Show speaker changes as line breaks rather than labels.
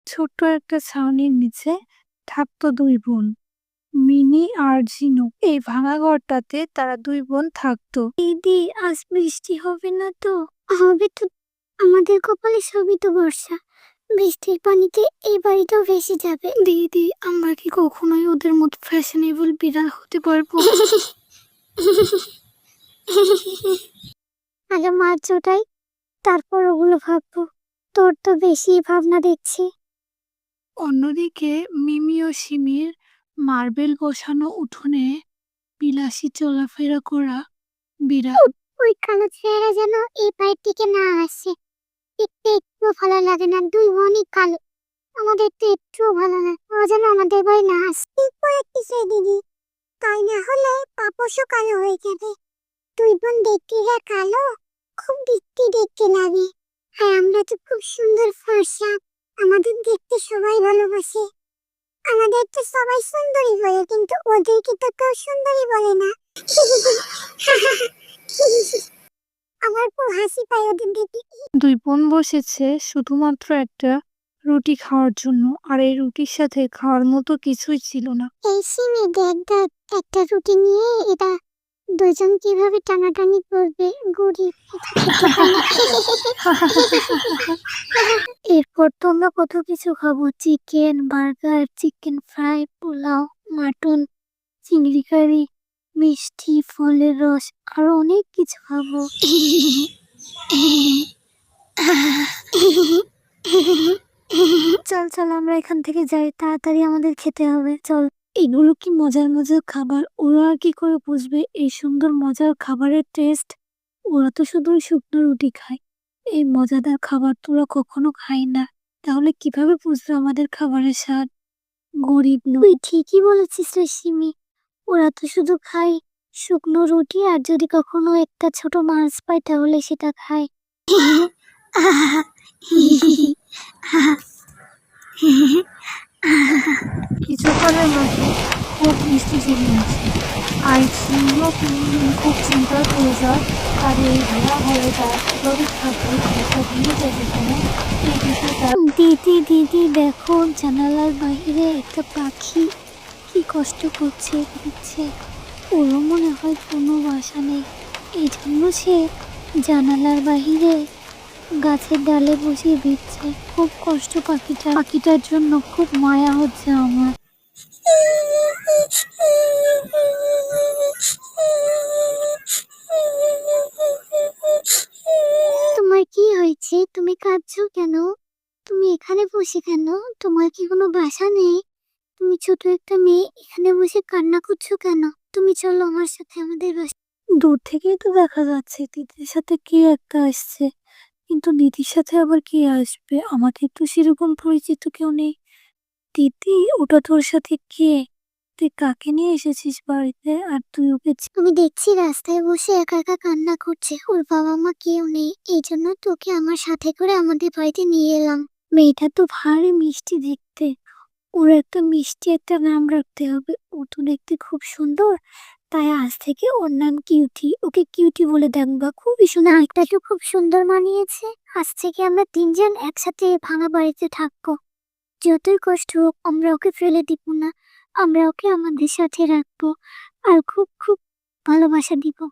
ছোট্ট একটা ছাউনির নিচে থাকতো দুই বোন, মিনি আর ঝিনু। এই ভাঙা ঘরটাতে তারা দুই বোন থাকতো।
দিদি, আজ বৃষ্টি হবে না তো? হবে তো, আমাদের কপালে সবই তো বর্ষা। বৃষ্টির পানিতে এই বাড়িটাও ভেসে যাবে।
দিদি, আমরা কি কখনোই ওদের মতো ফ্যাশনেবল বিড়াল হতে পারবো?
আগে মার চোটাই, তারপর ওগুলো ভাববো। তোর তো বেশি ভাবনা দেখছি।
অন্যদিকে মিমি ও সিমির মার্বেল বসানো উঠোনে বিলাসী চলাফেরা করা বিড়াল।
ওই কালো ছেলেরা যেন এই বাড়ির দিকে না আসে। দেখতে একটু ভালো লাগে না, দুই বোনই কালো। আমাদের তো একটুও ভালো না, ও যেন আমাদের বাড়ি না আসে। ঠিক বলেছিস দিদি, তাই না হলে পাপসও কালো হয়ে যাবে। দুই বোন দেখতে যা কালো, খুব দেখতে দেখতে লাগে। আর আমরা তো খুব সুন্দর ফর্সা, আমাদের দেখতে সবাই ভালোবাসে। আমাদের তো সবাই সুন্দরী বলে, কিন্তু ওদেরকে তো কেউ সুন্দরী বলে না। আমার খুব হাসি পায় ওদের দেখে।
দুই বোন বসেছে শুধুমাত্র একটা রুটি খাওয়ার জন্য, আর এই রুটির সাথে খাওয়ার মতো কিছুই ছিল না।
এই সিমি, দেখ দেখ, একটা রুটি নিয়ে এরা দুজন কিভাবে টানাটানি করবে। গরিব, এরপর তো আমরা কত কিছু খাবো, chicken burger, chicken fry, pulao, mutton, চিংড়ি কারি, মিষ্টি, ফলের রস, আরো অনেক কিছু খাবো। চল চল, আমরা এখান থেকে যাই, তাড়াতাড়ি আমাদের খেতে হবে, চল।
এগুলো কি মজার মজার খাবার, ওরা আর কি করে বুঝবে এই সুন্দর মজার খাবারের টেস্ট? ওরা তো শুধু শুকনো রুটি খায়, এই মজাদার খাবার তো ওরা কখনো খায় না। তাহলে কিভাবে বুঝবে আমাদের খাবারের স্বাদ? গরিব লোক।
তুই ঠিকই বলেছিস রে সিমি, ওরা তো শুধু খায় শুকনো রুটি, আর যদি কখনো একটা ছোট মাছ পায় তাহলে সেটা খায়।
কিছুক্ষণের মধ্যে খুব বৃষ্টি জেনে আসে, আর সিংহ খুব চিন্তায় পড়ে যায়। আর এই ভাড়া হয়ে তার কিভাবে থাকবে, একটা ভিড়ে যাবে কেন, এই বিষয়টা।
দিদি দিদি, দেখো জানালার বাইরে একটা পাখি কি কষ্ট করছে, দিচ্ছে। ওরও মনে হয় কোনো বাসা নেই, এই জন্য সে জানালার বাহিরে গাছের ডালে বসে ভিজছে। খুব কষ্ট
পাখিটার জন্য খুব মায়া হচ্ছে আমার।
তোমার কি হয়েছে? তুমি কাঁদছো কেন? তুমি এখানে বসে কেন? তোমার কি কোনো বাসা নেই? তুমি ছোট একটা মেয়ে এখানে বসে কান্না করছো কেন? তুমি চলো আমার সাথে আমাদের বাসা।
দূর থেকেই তো দেখা যাচ্ছে দিদির সাথে কে একটা আসছে, কিন্তু দিদির সাথে আবার কে আসবে? আমাদের তো সেরকম পরিচিত কেউ নেই। দিদি, ওটা তোর সাথে কে? তুই কাকে নিয়ে এসেছিস বাড়িতে? আর তুই ওকে
আমি দেখছি রাস্তায় বসে একা একা কান্না করছে, ওর বাবা মা কেউ নেই, এই জন্য তোকে আমার সাথে করে আমাদের বাড়িতে নিয়ে এলাম।
মেয়েটা তো ভারী মিষ্টি দেখতে, ওর একটা মিষ্টি একটা নাম রাখতে হবে। ও তো দেখতে খুব সুন্দর, তাই আজ থেকে ওর নাম কিউটি। ওকে কিউটি বলে ডাকবা, খুবই সুন্দর।
নামটা তো খুব সুন্দর মানিয়েছে। আজ থেকে আমরা তিনজন একসাথে ভাঙা বাড়িতে থাকবো। যতই কষ্ট হোক আমরা ওকে ফেলে দিব না, আমরা ওকে আমাদের সাথে রাখবো, আর খুব খুব ভালোবাসা দিব।